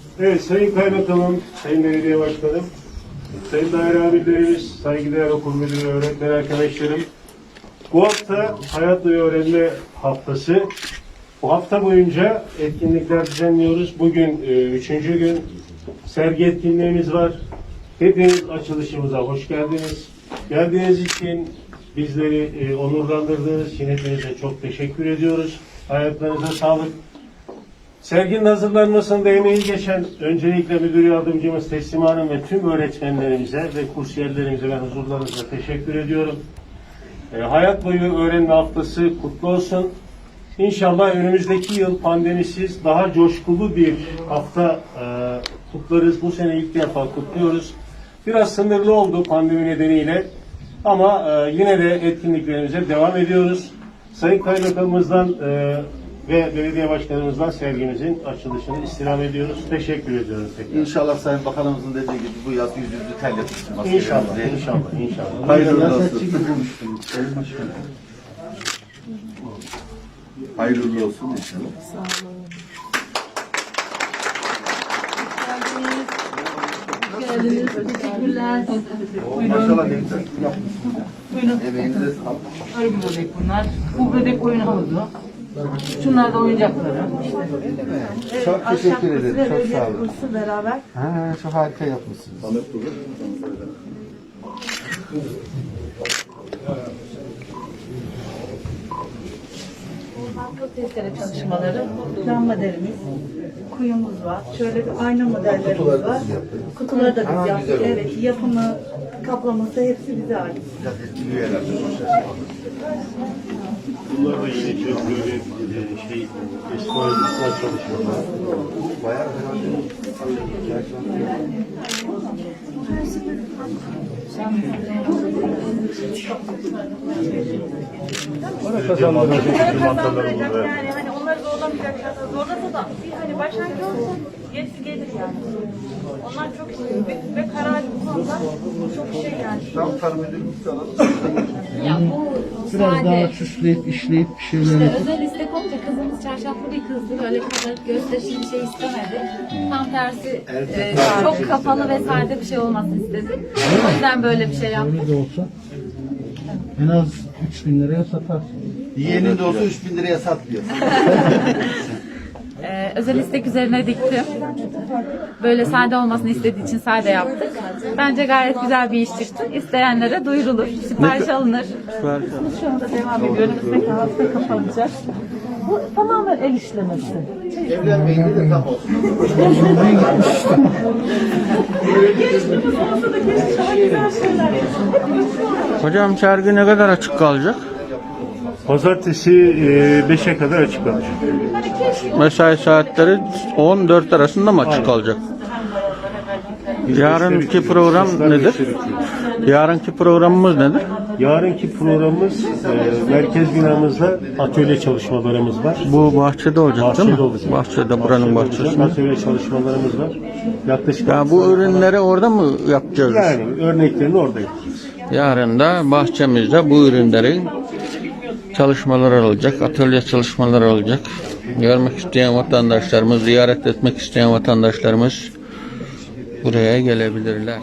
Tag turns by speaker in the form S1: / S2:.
S1: Evet, Sayın Kaymakamım, Sayın Belediye Başkanım, Sayın Daire Amirlerimiz, saygıdeğer okul müdürü, öğretmen arkadaşlarım. Bu hafta Hayat ve Öğrenme Haftası. Bu hafta boyunca etkinlikler düzenliyoruz. Bugün üçüncü gün sergi etkinliğimiz var. Hepiniz açılışımıza hoş geldiniz. Geldiğiniz için bizleri onurlandırdığınız için hepinize çok teşekkür ediyoruz. Hayatlarınıza sağlık. Serginin hazırlanmasında emeği geçen öncelikle müdür yardımcımız Teslim Hanım ve tüm öğretmenlerimize ve kursiyerlerimize ben huzurlarınızda teşekkür ediyorum. Hayat boyu öğrenme haftası kutlu olsun. İnşallah önümüzdeki yıl pandemisiz daha coşkulu bir hafta kutlarız. Bu sene ilk defa kutluyoruz. Biraz sınırlı oldu pandemi nedeniyle ama yine de etkinliklerimize devam ediyoruz. Sayın Kaymakamımızdan ve belediye başkanımızdan sergimizin açılışını istirham ediyoruz. Teşekkür ediyoruz tekrar.
S2: İnşallah Sayın Bakanımızın dediği gibi bu yaz yüzünüzü terletmiştir.
S1: İnşallah, inşallah.
S2: Hayırlı olsun. Hayırlı olsun inşallah.
S3: Sağ olun. Geldiniz. Teşekkürler.
S2: Maşallah ne güzel yapmışsınız.
S3: Buyurun.
S2: Emeğinize sağlık.
S3: Arı bebek bunlar. Bu bebek oyun havuzu. Şunlar da oyuncakları.
S2: Çok teşekkür ederim. Çok sağ olun.
S3: Kursu beraber.
S2: Ha, çok harika yapmışsınız.
S3: Testere çalışmaları, plan modelimiz, kuyumuz var. Şöyle bir ayna modellerimiz var. Kutuları da biz yaptık. Evet, yapımı, kaplaması hepsi bize ait.
S1: Bunlar da yine çok böyle eski oyuncular çalışmalar.
S2: Bayağı
S1: Para kazandıracak mantarlarımız var.
S4: Yani hani onları zorlamayacaklar. Zorlasa da bir hani başlangıç olsun, gerisi gelir yani. Onlar çok şey ve kararlı bu konuda çok şey yani.
S2: tam tarım edilmişse alalım.
S5: Ya bu
S6: Biraz
S5: sade.
S6: daha süsleyip işleyip bir şeyler
S5: İşte
S6: yapıp
S5: özel istek olunca kızımız çarşaflı bir kızdı. Öyle kabarık gösterişli bir şey istemedi. Tam tersi çok kapalı ve sade bir şey olmasını istedi. O yüzden böyle bir şey yaptık.
S6: öyle de olsa en az 3.000 liraya satarsın.
S2: Yeğenin de olsa 3.000 liraya satmıyor.
S5: Özel istek üzerine diktim. Böyle sade olmasını istediği için sade yaptık. Bence gayet güzel bir iş çıktı. İsteyenlere duyurulur, sipariş alınır.
S3: Şu anda devam ediyor. Önümüzdeki hafta kapanacak. Bu tamamen el işlemesi.
S2: Evlenmeyince de tam olsun.
S6: Hocam sergi ne kadar açık kalacak?
S1: Pazartesi 5'e kadar açık kalacak.
S6: Mesai saatleri 14 arasında mı açık kalacak? Yarınki program nedir? Yarınki programımız nedir?
S1: Yarınki programımız merkez binamızda atölye çalışmalarımız var.
S6: Bu bahçede olacak değil
S1: Bahçede
S6: mi?
S1: olacak.
S6: Bahçede, buranın
S1: olacak.
S6: bahçesinde.
S1: Atölye çalışmalarımız var. Yaklaşık
S6: Ya bu ürünleri orada mı yapacağız?
S1: yani örneklerini orada yapacağız.
S6: Yarın da bahçemizde bu ürünlerin çalışmaları olacak, atölye çalışmaları olacak. Görmek isteyen vatandaşlarımız, ziyaret etmek isteyen vatandaşlarımız buraya gelebilirler.